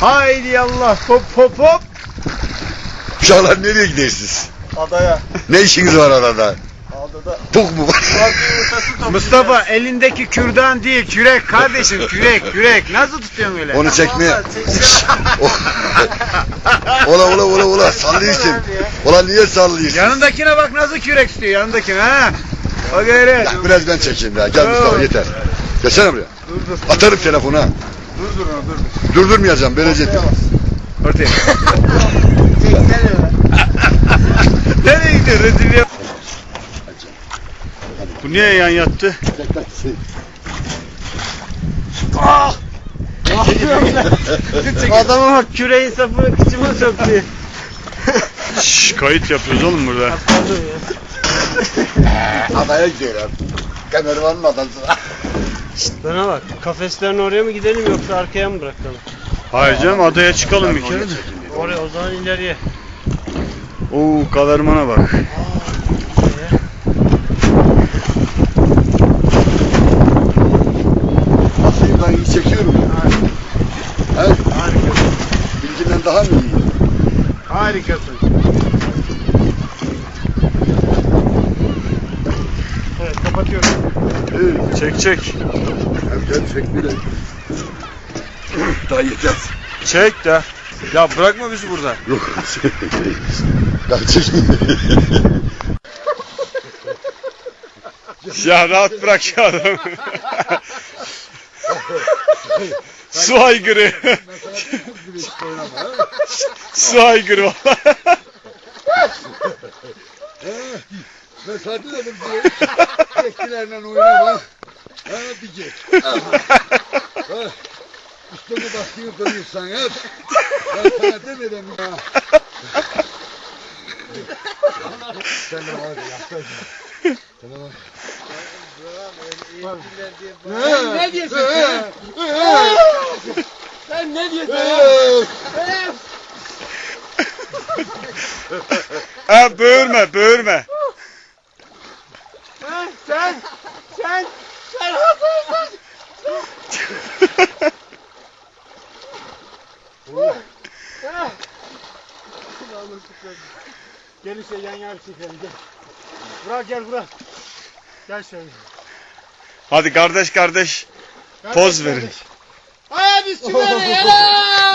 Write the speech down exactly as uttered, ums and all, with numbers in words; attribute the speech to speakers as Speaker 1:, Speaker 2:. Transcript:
Speaker 1: Haydi Allah, hop hop hop.
Speaker 2: Uşaklar nereye gidersiniz?
Speaker 1: Adaya.
Speaker 2: Ne işiniz var arada?
Speaker 1: Adada.
Speaker 2: Puk mu var?
Speaker 1: Mustafa elindeki kürdan değil, kürek kardeşim, kürek, kürek. Nasıl tutuyorsun öyle?
Speaker 2: Onu çekmeye. Ola ola ola ola sallıyorsun. Ola niye sallıyorsun?
Speaker 1: Yanındakine bak nasıl kürek tutuyor, yanındakine ha. O gayret.
Speaker 2: Ya biraz ben çekeyim ya. Gel Mustafa yeter. Gelsene buraya.
Speaker 1: Dur dur.
Speaker 2: Atarım telefonu ha.
Speaker 1: Dur dur dur.
Speaker 2: Durdurmayacağım. Böylece.
Speaker 1: Ortaya. Nereye gidiyor rezil ya? Bu niye yan yattı? Ah! Adama bak küreğin sapını kıçıma soktu. Şşş kayıt yapıyoruz oğlum burada.
Speaker 2: Adaya gidiyorlar. Kemer var mı adamsına?
Speaker 3: Bana bak, kafeslerin oraya mı gidelim yoksa arkaya mı bırakalım?
Speaker 1: Hayır canım adaya çıkalım bir kere de.
Speaker 3: Oraya, o zaman ileriye.
Speaker 1: Oo kavermana bak.
Speaker 2: Aslında ben iyi çekiyorum ya. He?
Speaker 1: Harikasın.
Speaker 2: Bilginden daha mı iyi?
Speaker 1: Harikasın. Evet kapatıyorum.
Speaker 2: Evet.
Speaker 1: Çek çek.
Speaker 2: Gel çek bile. Daha yeter.
Speaker 1: Çek de. Ya bırakma bizi burada.
Speaker 2: Yok. Daha çek.
Speaker 1: Ya rahat bırak ya adamı. Su aygırı. Su aygırı valla.
Speaker 2: Ben sana dedim ki çektilerle oynama. Ha diyecek. Üstüne baskıyı koyuyorsan hep. Ben sana demedim ya. Sen de var ya. Sen de var.
Speaker 3: Ne diyorsun sen? Sen ne diyorsun?
Speaker 1: Ha böğürme böğürme.
Speaker 3: Sen, sen, sen, sen haklısın. Gel işte yan yana çekelim gel. Burak gel Burak. Gel şöyle.
Speaker 1: Hadi kardeş kardeş poz verin.
Speaker 3: Hadi süper ya.